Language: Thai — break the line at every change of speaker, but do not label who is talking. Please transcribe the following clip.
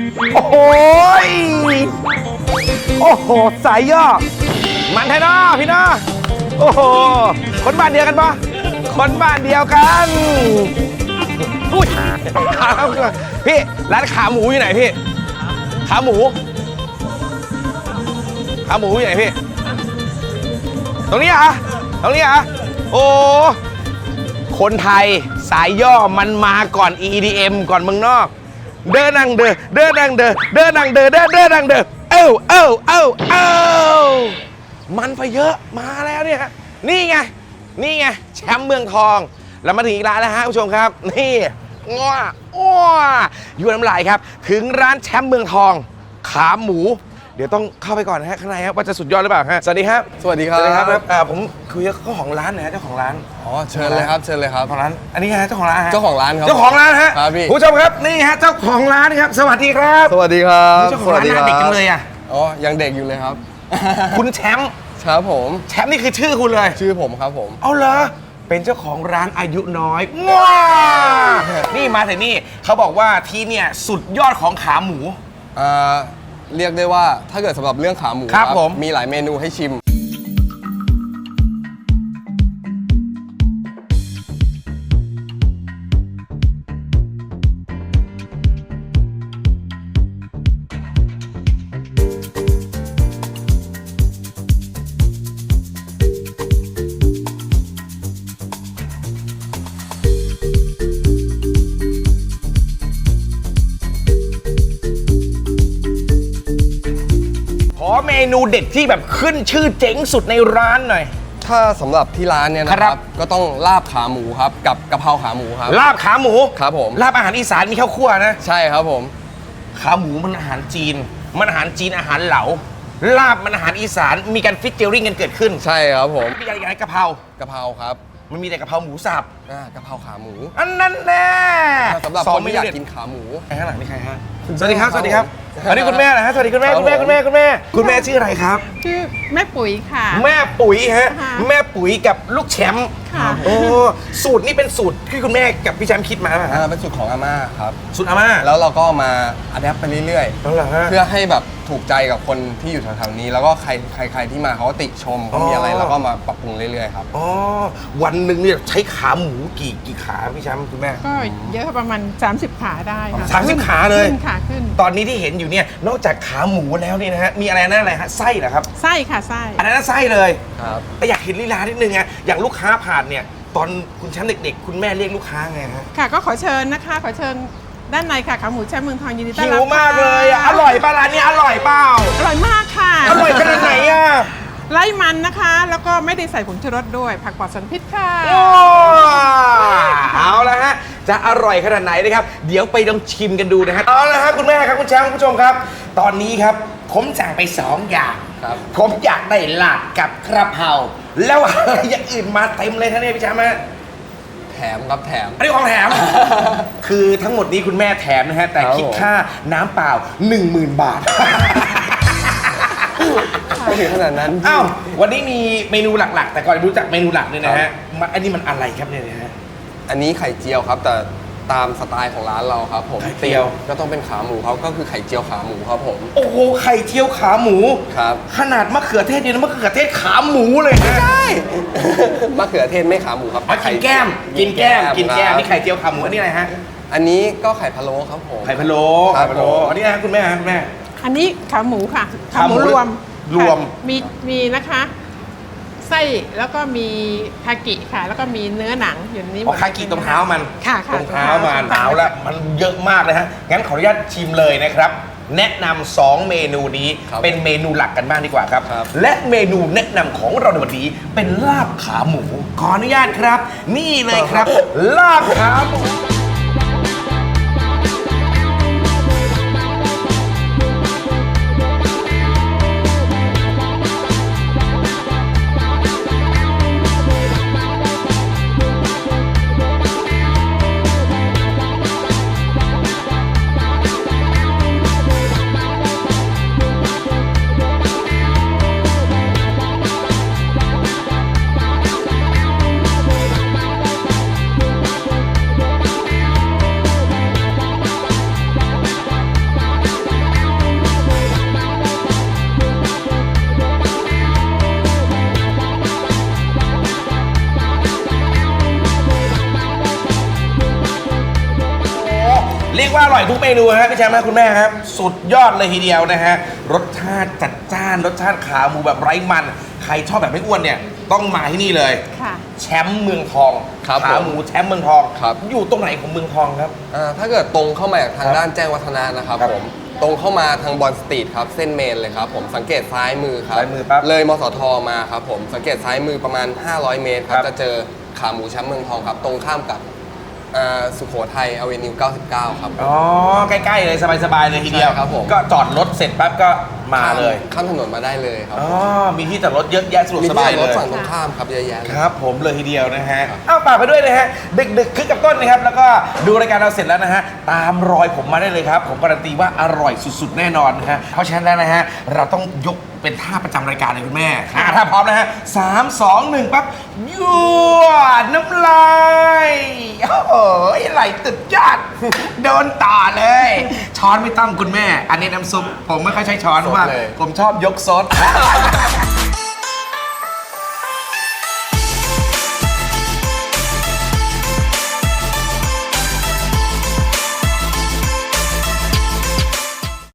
โอ้โหโอ้โหสายย่อมันแท้นะพี่นะโอ้โหคนบ้านเดียวกันปะคนบ้านเดียวกันอุ้ยพี่ร้านขาหมูอยู่ไหนพี่ขาหมูอยู่ไหนพี่ตรงนี้อ่ะตรงนี้อ่ะโอ้คนไทยสายย่อมันมาก่อน EDM ก่อนเมืองนอกเดินนั่งเดินนั่งเดินนั่งเดินนั่งเดินเอ้ามันไปเยอะมาแล้วเนี่ยนี่ไงแชมป์เมืองทองแล้วมาถึงอีกร้านแล้วฮะผู้ชมครับนี่ง้ออยู่น้ำลายครับถึงร้านแชมป์เมืองทองขาหมูเดี๋ยวต้องเข้าไปก่อนนะฮะข้างในครับว่าจะสุดยอดหรือเปล่าฮะสวัสดีครับ
สวัสดีครับ
ผมคุยกับเจ้าของร้านนะฮะเจ้าของร้าน
อ๋อเชิญเลยครับ
ของร้านอันนี้ฮะเจ้าของร้านฮะ
เจ้าของร้านครับ
เจ้าของร้านฮะ
ครับพี่
ผู้ชมครับนี่ฮะเจ้าของร้านครับสวัสดีครับ
สวัสดีครับ
เจ้าของร้านหน้าเด็กจังเลยอ่ะ
อ๋อยังเด็กอยู่เลยครับ
คุณแชมป์
ครับผม
แชมป์นี่คือชื่อคุณเลย
ชื่อผมครับผม
เอาเหรอเป็นเจ้าของร้านอายุน้อยว้านี่มาแต่นี่เขาบอกว่าที่เนี่ยสุดยอดของขาหมู
เรียกได้ว่าถ้าเกิดสำหรับเรื่องขาหมู
ครับผม
มีหลายเมนูให้ชิม
ขอเมนูเด็ดที่แบบขึ้นชื่อเจ๋งสุดในร้านหน่อย
ถ้าสำหรับที่ร้านเนี่ยนะครับก็ต้องลาบขาหมูครับกับกะเพราขาหมูครับ
ลาบขาหมู
ครับผม
ลาบอาหารอีสานมีข้าวคั่วนะ
ใช่ครับผม
ขาหมูมันอาหารจีนมันอาหารจีนอาหารเหลาลาบมันอาหารอีสานมีการฟิชเจอริ่งกันเกิดขึ้น
ใช่ครับผม
มีอะไรกะเพร
ครับ
มันมีแต่กะเพราหมูสับ
กะเพราขาหมู
อันนั้นแน่
สำหรับคนที่อยากกินขาหมู
ข้างหลังนี่ใครฮะสวัสดีครับอันนี้คุณแม่นะฮะสวัสดีคุณแม่คุณแม่ชื่ออะไรครับ
ชื่อแม่ปุ๋ยค่ะ
แม่ปุ๋ยฮะแม่ปุ๋ยกับลูกแชมป์โอ้สูตรนี่เป็นสูตรที่คุณแม่กับพี่แชมป์คิดมาป่ะ
เป็นสูตรของอาม่าครับ
สูตรอาม่า
แล้วเราก็มาอัดแอปไปเรื่อย
ๆเ
พื่อให้แบบถูกใจกับคนที่อยู่แถวๆนี้แล้วก็ใครที่มาเขาก็ติชมเขามีอะไรเราก็มาปรับปรุงเรื่อยๆครับ
อ๋อวันหนึ่งเนี่ยใช้ขาหมูกี่ขาพี่แชมป์คุณแม่
ก็เยอะประมาณ30 ขาได้ค่ะ
30 ขาเลย
ขึ้น
ตอนนี้ที่เห็นอยู่เนี่ยนอกจากขาหมูแล้วนี่นะฮะมีอะไรนั่นอะไรฮะไส้เหรอครับ
ไส้ค่ะไส้
อันนั้นไส้เลย
ครับ
แต่อยากเห็นลีลานิดนึงไงอย่างลูกค้าผ่านเนี่ยตอนคุณแชมป์เด็กๆคุณแม่เรียกลูกค้าไงฮะ
ค่ะก็ขอเชิญนะคะขอเชิญด้านในค่ะขาหมูแชมป์เมืองทองยินดีต้อนรับ
หิวมากเลยอร่อยป่ะร้านนี้อร่อยเปล่า
อร่อยมากค่ะ
อร่อยขนาดไหนอ่ะ
ไร้มันนะคะแล้วก็ไม่ได้ใส่ผงชูรสด้วยผักปลอดสารพิษค่ะ
เอาละฮะจะอร่อยขนาดไหนนะครับเดี๋ยวไปลองชิมกันดูนะฮะเอาละฮะคุณแม่ครับคุณแชมป์คุณผู้ชมครับตอนนี้ครับผมสั่งไป2 อย่างผมอยากได้ลาบกับกระเพราแล้วอะไรอย่างอื่นมาเต็มเลยท่านนี่พี่แชมป์ฮะ
แถมครับแถม
อันนี้ของแถม คือทั้งหมดนี้คุณแม่แถมนะฮะแต่คิดค่าน้ำเปล่า 10,000 บาท
ไม่ถึงขนาดนั้น
อ้าววันนี้มีเมนูหลักๆแต่ก่อนรู้จักเมนูหลักเนี่ยนะฮะอันนี้มันอะไรครับเนี่ยนะฮะ
อันนี้ไข่เจียวครับแต่ตามสไตล์ของร้านเราครับผม
ไข่เจียว
ก็ต้องเป็นขาหมูเขาก็คือไข่เจียวขาหมูครับผม
โอ้โหไข่เจียวขาหมู
ครับ
ขนาดมะเขือเทศเนี่ยมะเขือเทศขาหมูเลยนะ
ใช่มะเขือเทศไม่ขาหมูครับ
กินแก้มนี่ไข่เจียวขาหมูอันนี้อะไรฮะ
อันนี้ก็ไข่พะโล้ครับผม
ไข่พะโล้อันนี้นะคุณแม่
อันนี้ขาหมูค่ะ
ขาหมูรวม
มีนะคะไส้แล้วก็มีคากิค่ะแล้วก็มีเนื้อหนังอยู่ในนี้หมด
คากิตรงเท้ามัน
ค่ะ
ตรงเท้ามันเอาละมันเยอะมากเลยฮะงั้นขออนุญาตชิมเลยนะครับแนะนำ2 เมนูนี้เป็นเมนูหลักกันบ้างดีกว่าครับและเมนูแนะนำของเราในวันนี้เป็นลาบขาหมูขออนุญาตครับนี่เลยครับลาบขาหมูร่อยทุกเมนูฮะพี่แชมป์นะคุณแม่ครับสุดยอดเลยทีเดียวนะฮะรสชาติจัดจ้านรสชาติขาหมูแบบไร้มันใครชอบแบบไม่อ้วนเนี่ยต้องมาที่นี่เลย
ค่ะ
แชมป์เมืองทอง
ครับ
ขาหมูแชมป์เมืองทอง
ครับ
อยู่ตรงไหนของเมืองทองครับ
ถ้าเกิดตรงเข้ามาจากทางด้านแจ้งวัฒนะนะครับ
ครับ
ผมตรงเข้ามาทางบอลสตรีทครับเส้นเมนเลยครับผมสังเกตซ้ายมือครับ
ซ้ายมือปั๊บ
เลยมสทมาครับผมสังเกตซ้ายมือประมาณ 500 เมตรครั
ครับ บ
จะเจอขาหมูแชมป์เมืองทองครับตรงข้ามกับสุโขทัยอเวนิว 99 ครับ
อ๋อใกล้ๆเลยสบายๆเลยทีเดียว
ใช่ครับผม
ก็จอดรถเสร็จปั๊บก็มาเลย
ข้ามถนนมาได้เลยครับ
อ๋อมีที่จอดรถเยอะแยะสะดวก
มี
ส
ที่
บาย
จอด
เล
รถ
ย
ฝั่งตรงข้ามครับเยอะแยะเลย
ครับผมเลยทีเดียวนะฮะเอาฝากไปด้วยนะฮะดึกๆคึกกับต้นนะครับแล้วก็ดูรายการเราเสร็จแล้วนะฮะตามรอยผมมาได้เลยครับผมการันตีว่าอร่อยสุดๆแน่นอนนะฮะเพราะฉะนั้นแล้วนะฮะเราต้องยกเป็นท่าประจำรายการเลยคุณแม่ถ้าพร้อมนะฮะ3 2 1ปั๊บยั่วน้ำลายโอ้โหไหลตึดยอด โดนต่อเลย ช้อนไม่ต้องคุณแม่ อันนี้น้ำซุปผมไม่ค่อยใช้ช้อนเพราะว่า
สดเลย
ผมชอบยกซด